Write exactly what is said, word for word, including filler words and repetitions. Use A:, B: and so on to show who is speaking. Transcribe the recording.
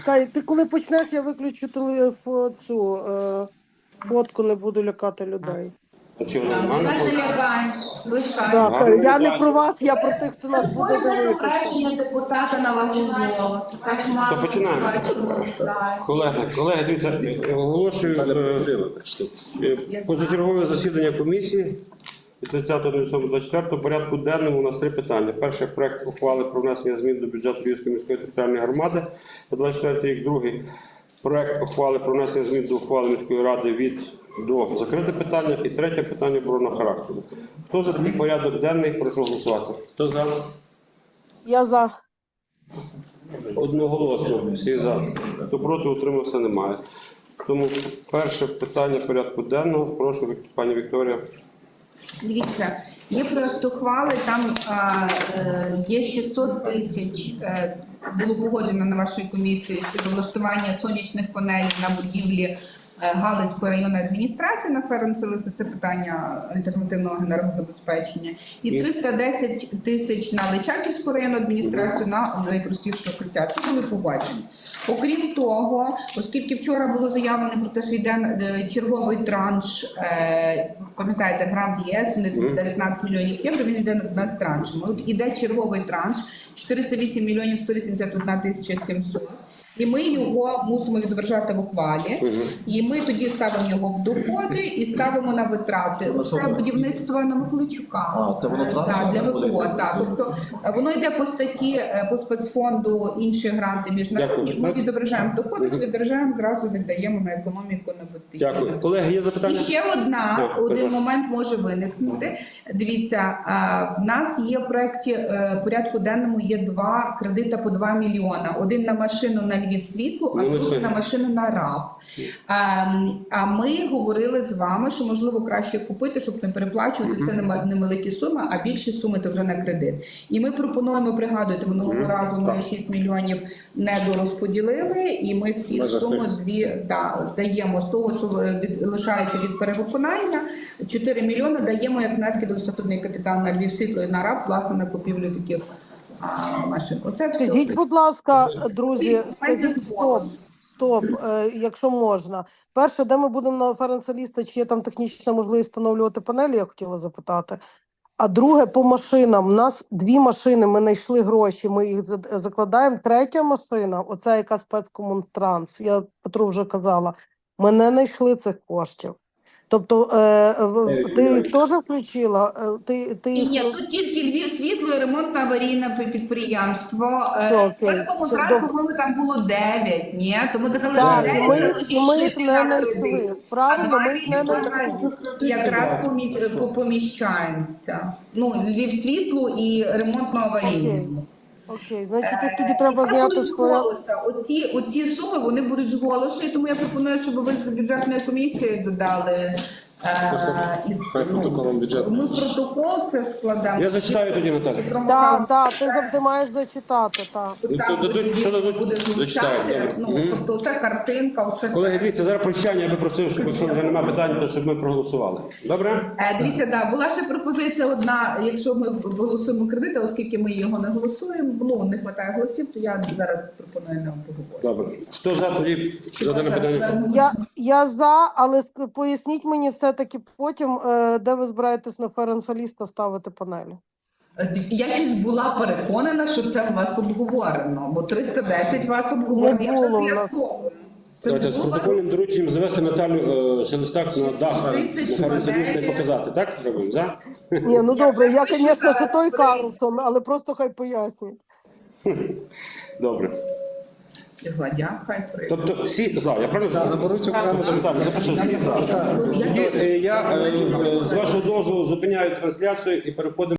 A: Чекай, ти коли почнеш, я виключу телефон, цю е, фотку, не буду лякати людей.
B: А чого
C: Ти
B: нормально?
C: нас не лякаєш, лишай.
A: Да,
B: Гарно
A: я не
B: бачу.
A: про вас, я про тих, хто нас буде
C: Кожне
A: дивитися.
C: зображення депутата на вагу золота. Так мало.
B: То починаємо.
C: бачимо, так.
B: Колеги, колеги, дивіться, оголошую е, е, позачергове засідання комісії від тридцятого двадцять четвертого порядку денному у нас три питання. Перше – проект ухвали про внесення змін до бюджету Львівської міської територіальної громади на двадцять четвертий рік. Другий – проект ухвали про внесення змін до ухвали міської ради від до закрите питання. І третє питання оборонного характеру. Хто за такий порядок денний, прошу голосувати. Хто за?
A: Я за.
B: Одноголосно, всі за. Хто проти, утримався, немає. Тому перше питання порядку денного. Прошу, Вік- пані Вікторія.
C: Дивіться, є проект ухвали, там а, е, є шістсот тисяч, е, було погоджено на вашій комісії щодо влаштування сонячних панелей на будівлі е, Галицької районної адміністрації на Ференцелиса, це питання альтернативного енергозабезпечення, і триста десять тисяч на Личаківську районну адміністрацію на найпростіше укриття. Це були погоджені. Окрім того, оскільки вчора було заявлено про те, що йде е, черговий транш, е, пам'ятаєте, грант ЄС, вони дев'ятнадцять мільйонів євро, він йде на з траншами. От іде черговий транш, чотириста вісім мільйонів сто вісімдесят одна тисяча сімсот. І ми його мусимо відображати в ухвалі, і ми тоді ставимо його в доходи і ставимо на витрати. Це будівництво на Миколайчука.
D: А, це воно
C: Е,
D: трансферне
C: так, для
D: буде?
C: ВКО. Так, тобто е, воно йде по статті, е, по спецфонду інші гранти міжнародні.
B: Дякую.
C: Ми відображаємо в доходах, відображаємо, зразу віддаємо на економіку на БТІ.
B: Дякую. Колеги, є
C: І
B: запитання?
C: ще одна,
B: А,
C: один
B: прошу.
C: момент може виникнути. Дивіться, а, в нас є в проєкті е, порядку денному є два кредита по два мільйона. Один на машину на Львів світло, а
B: Ну,
C: другий
B: лише.
C: на машину на РАП. А, а ми говорили з вами, що можливо краще купити, щоб не переплачувати. Це не невеликі суми, а більші суми то вже на кредит. І ми пропонуємо, пригадуєте, минулого
B: Мгм.
C: разу ми
B: Так.
C: шість мільйонів недорозподілили, і ми з цієї
D: Межах
C: суми
D: тих.
C: дві да, даємо з того, що від, лишається від перевиконання, чотири мільйони даємо як внески до статутний капітал на Львів світло і на РАП, власне, на купівлю таких а, машин. Оце все.
A: Скажіть, будь ласка, друзі,
C: Ці
A: скажіть
C: моменти
A: стоп, стоп, е, якщо можна. Перше, де ми будемо на Ференцеліста, чи є там технічна можливість встановлювати панелі, я хотіла запитати. А друге, по машинам. У нас дві машини, ми знайшли гроші, ми їх за- закладаємо. Третя машина, оця яка спецкомунтранс, я Петру вже казала, ми не знайшли цих коштів. Тобто, е, в- ти їх теж включила? Е, Ти, ти
C: Ні,
A: їх...
C: ні, тут тільки Львів світло і ремонтно аварійне підприємство.
A: Все, окей, все,
C: Спецкомунтракт,
A: добре.
C: по-моєму, там було дев'ять, ні? То ми казали,
A: Так,
C: що
A: і
C: дев'ять
A: ми,
C: залишити
A: і ми їх не
C: на
A: знайшли.
C: кредит.
A: Правильно,
C: А
A: ми їх не
C: два
A: знайшли.
C: якраз помі- по- поміщаємося. Ну, Львів світло і ремонтно аварійне.
A: Окей. Окей, значить, їх тоді треба
C: Це
A: зняти
C: будуть
A: з
C: з
A: порядку.
C: голоса. Оці, оці суми, вони будуть з голосу, і тому я пропоную, щоб ви з бюджетної комісії додали. е, і,
D: Хай протоколом бюджету.
C: Ми протокол це складемо.
B: Я зачитаю тоді, Наталя.
A: Так, так, ти завжди маєш зачитати, так.
B: Ну,
C: Так,
B: то дадуть,
C: тоді
B: що дадуть?
C: буде
B: Зачитаю,
C: звучати.
B: добре.
C: Ну,
B: Мгм.
C: тобто це картинка, оце.
B: Колеги, дивіться, зараз прощання, я би просив, щоб якщо вже немає питань, то щоб ми проголосували. Добре?
C: Е, Дивіться, да, була ще пропозиція одна, якщо ми голосуємо кредити, оскільки ми його не голосуємо, ну, не вистачає голосів, то я зараз пропоную нам поговорити.
B: Добре. Хто за, тоді за дане питання?
A: Я, я за, але ск- поясніть мені все-таки потім, е, де ви збираєтесь на Ференцеліста ставити панелі.
C: Я щось була переконана, що це у вас обговорено, бо триста десять вас обговорено.
A: Не
C: Я
A: було
C: вже
A: у нас.
C: з'ясовую. Це
B: Давайте з
C: було?
B: протокольним дорученням завести Наталю е, Шелестак на дах на Ференцеліста і показати. Так? Робимо? За?
A: Ні, ну
C: Я
A: добре, я,
C: пишу
A: звісно, що
C: зараз
A: той
C: при-
A: Карлсон, але просто хай поясніть.
B: Добре.
C: Гладя, хай прийде.
B: Тобто всі за. Я правильно?
D: Так, наберуть окремо.
B: Наталя, запишу всі за.
C: Я
B: Тоді е, я е, е, з вашого дозволу зупиняю трансляцію і переходимо.